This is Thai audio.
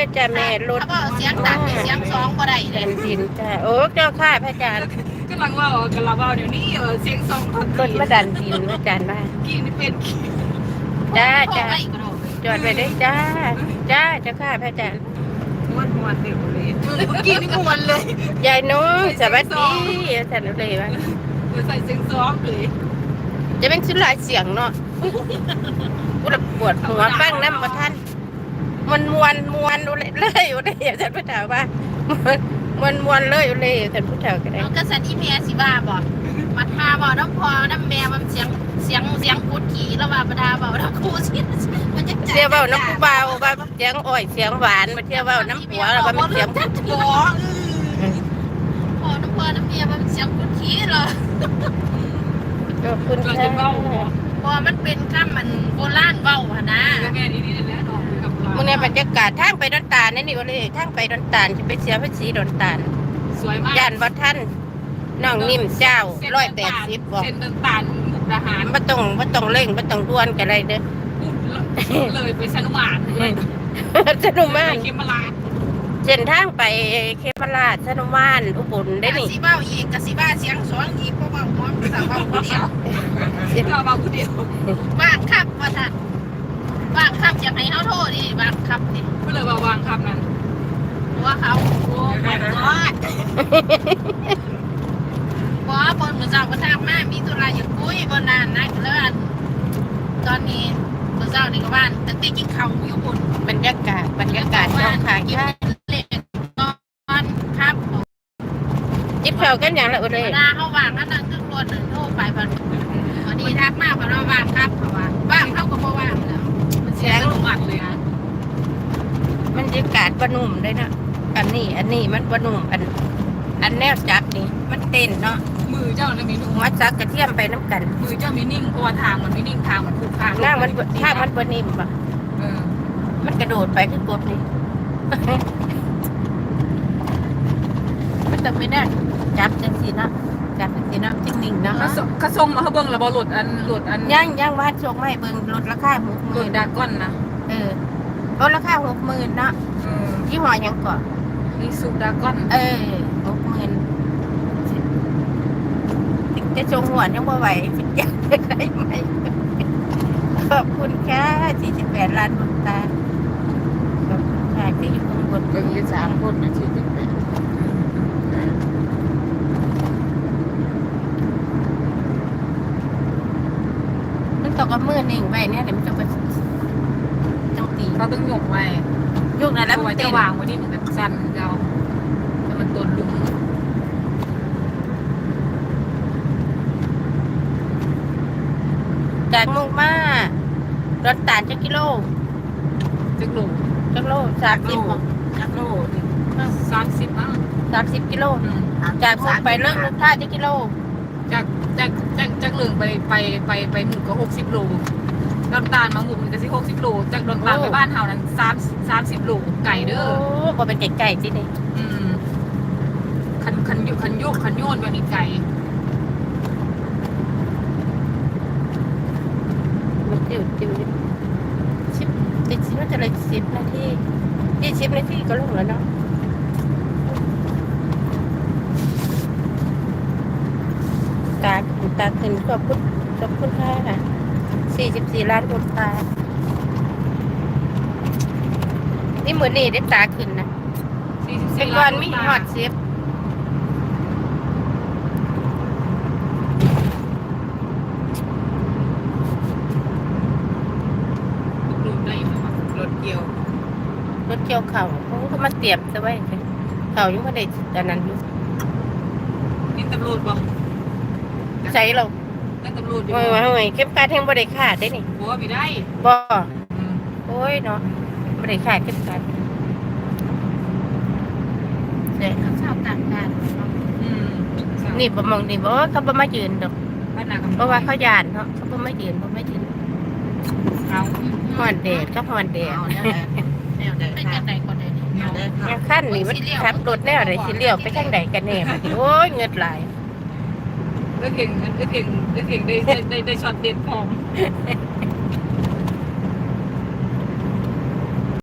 จ้าแม่รถถ้าบอกเสียงดังนี่เสียงสองก็ได้เลแผ่ยนดินจ้าโอ้เจ้าข้าพระอาจารย์กำลังว่าเดี๋ยวนี้เสียงสองคนรถมาดันดินพระอาจารย์ว่ากี่นี่เป็นกี่จ้าพ่อจ้าไม่กระโดดจอดไปได้จ้าจ้าเจ้าข้าพระอาจารย์ม้วนเดี๋ยวเลยเมื่อกี้นี่ม้วนเลยยายน้องสวัสดีอาจารย์เลยว่าใส่เสียงซ้อมเลยจะเป็นสุดหลายเสียงเนาะกูระปวดหัวฟังน้ำมาท่านมันมวนเลยอยู่เลยอาจารย์ผู้เฒ่าว่ามวนเลยอยู่เลยอาจารย์ผู้เฒ่าก็ได้มันก็สันอีเมียสิบ้าบอกมาทาบอกน้ำพอน้ำแม่มันเสียงกุดขี่แล้วว่าประดาบอกน้ำคูสิมันจะเสียเบาน้ำเบาว่าเสียงอ้อยเสียงหวานมาเที่ยวเบาน้ำหัวแล้วว่ามันเสียงพอน้ำพอน้ำเมียมันเสียงกุดขี่เหรอขอบคุณเราค่ะจะเบ้าพอมันเป็นข้ามมันโบราณเบ้าหนะแล้วแม่นี่แหละน้องกับเรามื่อนี้บรรยากาศทางไปดอนตาลนี่ว่าเลยทางไปดอนตาลจะไปเสียภาษีดอนตาลสวยมากย่านวัดท่านน้องนิ่มเจ้า180บอกเส้นต่างๆมุกดาหารบ่ต้องเร่งบ่ต้องด่วนกันอะไรเด้อเลยไปสนุมานสนุมานเขมราชเส้นทางไปเขมราชสนุมานอุบลได้นี่สีเบ้าอีกกับสีบ้าเสียงสองอีกเพราะว่าหัวมันสาวเบ้าคนเดียวเรามาผู้เดียวว่างครับว่าท่านว่างครับอยากให้เขาโทษดิว่างครับดิก็เลยมาวางคำนั้นว่าเขาโอ้ไม่รอดบอกว่าบนมือสาวก็ทำมามีตุลาอยู่คุยบนนานนะเลิศตอนนี้มือสาวนี่ก็บ้านแต่ตีกินเขาอยู่บนบรรยากาศช่องทางกินค่ะเล็กนอนครับจิบเข่าวกันอย่างละอุเลยเวลาเขาว่างก็นั่งขึ้นรถโทรไปพอดีทักมากพอเราว่างครับเพราะว่าว่างเขาก็บ่ว่างแล้วเสียงสนุมานเลยนะบรรยากาศบ่นุ่มเลยนะอันนี้มันบ่นุ่มอันแนวจับนี่มันเต้นเนาะมือเจ้าเนี่ยมีนุ่มหัวจักกระเทียมไปน้ำกันมือเจ้ามีนิ่งเพราะว่าทางมันไม่นิ่งทางมันผูกขาดหน้ามันถ้ามันบ่นิ่มปะเออมันกระโดดไปคือกบนี่ มันต้องไม่ได้จับจังสีเนาะจับจังสีเนาะจริงนิ่งๆเนาะเขาส่งมาเขาเบิ่งระบบหลุดอันย่างวาดโชคไม่เบิ่งลดราคาหลุด 60,000 ดาก้อนนะลดราคา60,000เนาะเออยี่ห้อหยังก่อนนี่สูดาก้อน 60,000จะชงหัวยังบ่ไหวสิอยากได้ไหมขอบคุณค่ะ48ล้านดวงตาขอบคุณค่ะที่อยู่ข้างบนก็มี3 คนนะที่เป็นมันตกกับมือนิ่งไว้เนี่ยเดี๋ยวมันจะไปจังตีเราต้องหยกไว้ยุคนั้นแล้วไว้มันจะเต้นวางไว้นี่เหมือนกับสั้นเราแต่มันตนลุงจากมุกมารถตาลจักกิโลจะกลุ่มจักโล30บ่จักโลนี่ 30มั้ง 30กิโลจากมุกไปเลิกรถท่าจักกิโลจากเหลืองไปหมู่ก็60 โลดอนตาลมาหมู่มันก็สิ60 โลจากดอนตาลไปบ้านเฮานั้น30 โลไก่เด้อบ่เป็นไก่ๆสินี่คันโยนแบบนี้ไก่มันจิ๋ว10ติดสิมันจะเลย10นาที20นาทีก็ลงแล้วเนาะตาขึ้นขอบคุณค่ะ44ล้านดวงตานี่มื้อนี้ได้ตาขึ้นนะเป็นวันมีฮอด10 รถเกี่ยวรถเกี่ยวเขาเขาก็มาเตรียมซะไว้เขายังไม่ได้แต่นั้นอยู่นี่ตำรวจบอกใช้เรานั่นตำรวจอยู่โอ้ยเก็บการแทงบ่ได้ขาดได้นี่บัวไม่ได้บ่โอ้ยเนาะบ่ได้ขาดเก็บการเด้เขาชอบต่างกันนี่บ่มองนี่บ่เขาบ่มายืนดอกบ้านนาเพราะว่าเขาย่านเนาะเขาบ่มายืนเอาฮ้อนแดดก็ฮ้อนแดดเป็นกันไหนคนใดยังคันนี่มันขับรถแนวใดสิเลี้ยวไปทางใดกันแน่บัดนี้โอ้ยเงิดหลายได้ช็อตเด็ดพร้อม